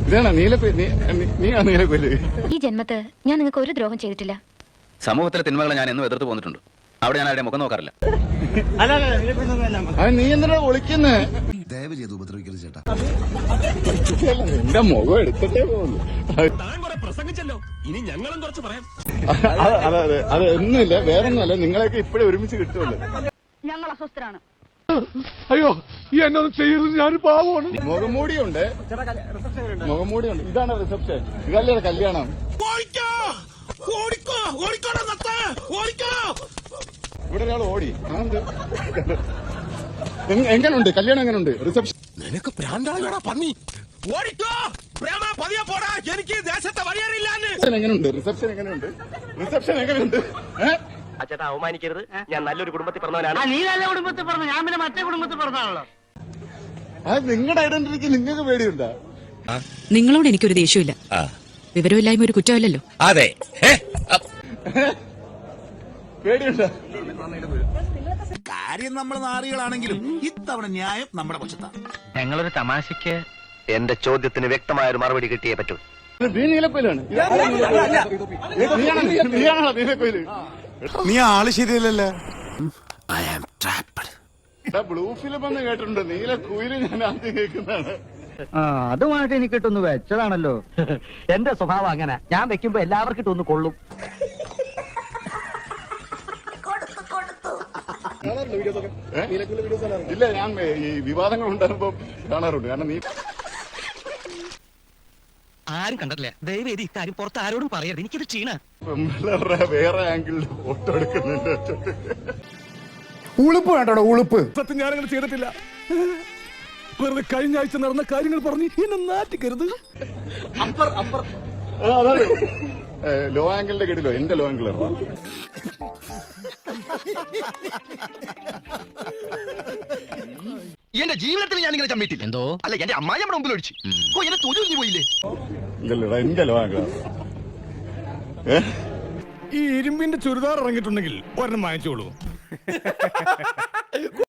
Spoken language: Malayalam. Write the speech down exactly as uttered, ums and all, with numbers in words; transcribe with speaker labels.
Speaker 1: ഇതാണ് നീലക്കൊല്ലി. നീ ആ നീലക്കൊല്ലി.
Speaker 2: ഈ ജന്മത്ത് ഞാൻ നിങ്ങൾക്ക് ഒരു ദ്രോഹം ചെയ്തിട്ടില്ല.
Speaker 3: സമൂഹത്തിലെ തിന്മകളെ ഞാൻ എന്നും എതിർത്ത് പോന്നിട്ടുണ്ട്. അവിടെ ഞാൻ ആരുടെ മുഖം നോക്കാറില്ല.
Speaker 1: അത് നീ എന്തിനാ ഒളിക്കുന്നേ?
Speaker 4: ദയവ് ചെയ്ത് ഉപദ്രവിക്കരുത് ചേട്ടാ.
Speaker 1: എന്റെ മുഖം എടുത്തിട്ടേ പോകുന്നു.
Speaker 5: പ്രസംഗിച്ചല്ലോ, ഇനി ഞങ്ങളും കുറച്ച് പറയാം.
Speaker 1: അതെ അത് ഒന്നുമില്ല, വേറൊന്നുമല്ല, നിങ്ങളെയൊക്കെ ഇപ്പോഴേ ഒരുമിച്ച് കിട്ടുമല്ലോ.
Speaker 6: ഞങ്ങൾ അസ്വസ്ഥരാണ്.
Speaker 5: അയ്യോ ഈ എന്നൊന്നും ചെയ്യരുത്, ഞാൻ പാവമാണ്.
Speaker 1: മുഖംമൂടിയുണ്ട്, മുഖംമൂടിയുണ്ട്. ഇതാണ് റിസപ്ഷൻ, ഇതല്ലേ കല്യാണം. ഇവിടെ ഒരാൾ ഓടി. എങ്ങനുണ്ട് കല്യാണം? എങ്ങനുണ്ട് റിസപ്ഷൻ?
Speaker 5: നിനക്ക് പ്രാന്താളാ പന്നി. ഓടിക്കോ പ്രേമ, പതിയെ പോടാ, എനിക്ക് ദേശത്തെ വഴിയറിയില്ലാന്ന്.
Speaker 1: എങ്ങനുണ്ട് റിസപ്ഷൻ? എങ്ങനെയുണ്ട് റിസപ്ഷൻ? എങ്ങനെയുണ്ട്?
Speaker 7: അച്ഛാ അവമാനിക്കരുത്, ഞാൻ നല്ലൊരു കുടുംബത്തിൽ പറഞ്ഞവനാണ്.
Speaker 6: നീ നല്ല കുടുംബത്തിൽ പറഞ്ഞു, ഞാൻ പിന്നെ മറ്റേ കുടുംബത്തിൽ പറഞ്ഞാണല്ലോ.
Speaker 1: അത് നിങ്ങളുടെ ഐഡന്റിറ്റിക്ക് നിങ്ങൾക്ക് പേടിയുണ്ടോ?
Speaker 8: നിങ്ങളോട് എനിക്കൊരു ദേഷ്യമില്ല. വിവരമില്ലായ്മ ഒരു കുറ്റമല്ലല്ലോ.
Speaker 5: അതെ,
Speaker 1: പേടിയുണ്ടോ?
Speaker 4: കാര്യം നമ്മൾ നാറികളാണെങ്കിലും ഇത്തവണ ന്യായം നമ്മുടെ പക്ഷത്താണ്.
Speaker 7: ഞങ്ങളൊരു തമാശക്ക് എന്റെ ചോദ്യത്തിന് വ്യക്തമായ ഒരു മറുപടി കിട്ടിയേ പറ്റൂ.
Speaker 1: നീ നീലക്കൊയിലാണ്. നീയാണോ നീലക്കൊയില്?
Speaker 4: നീ ആള് ശരിയല്ലല്ലോ.
Speaker 1: ബ്ലൂ ഫിലിം എന്ന് കേട്ടിട്ടുണ്ട്, നീലക്കുയില് ഞാൻ ആദ്യം കേൾക്കുന്നതാണ്.
Speaker 7: അതുമായിട്ട് എനിക്ക് ഇട്ടൊന്ന് വെച്ചതാണല്ലോ. എന്റെ സ്വഭാവം അങ്ങനെ, ഞാൻ വെക്കുമ്പോ എല്ലാവർക്കും ഇട്ടൊന്ന് കൊള്ളും.
Speaker 1: ഇല്ല, ഞാൻ ഈ വിവാദങ്ങൾ ഉണ്ടാകുമ്പോ കാണാറുണ്ട്. കാരണം നീ
Speaker 7: ആരും കണ്ടിട്ടില്ല. ദയവേദി ഇക്കാര്യം പുറത്ത് ആരോടും പറയരുത്, എനിക്കിത് ക്ഷീണ.
Speaker 1: വേറെ ആംഗിളിൽ ഫോട്ടോ എടുക്കുന്നുണ്ട്.
Speaker 5: ഉളുപ്പ് വേണ്ടോ? ഉളുപ്പ് സത്യം ഞാനങ്ങനെ ചെയ്തിട്ടില്ല. വെറുതെ കഴിഞ്ഞ ആഴ്ച നടന്ന കാര്യങ്ങൾ പറഞ്ഞ് എന്നെ നാട്ടിക്കരുത്.
Speaker 1: അതാണ് ലോ ആംഗിളിന്റെ കേട്ടില്ലോ, എന്റെ ലോ ആംഗിൾ.
Speaker 5: എന്റെ ജീവിതത്തിൽ ഞാൻ ഇങ്ങനെ ചമ്മിട്ടില്ല. എന്തോ അല്ല, എന്റെ അമ്മായി നമ്മുടെ മുമ്പിൽ ഒഴിച്ചു. ഓ എന്നെ തൊഴിൽ പോയില്ലേ?
Speaker 1: എന്റെ ലോ ആംഗിൾ.
Speaker 5: ഈ ഇരുമ്പിന്റെ ചുരിദാർ ഇറങ്ങിയിട്ടുണ്ടെങ്കിൽ ഒരെണ്ണം വാങ്ങിച്ചോളൂ.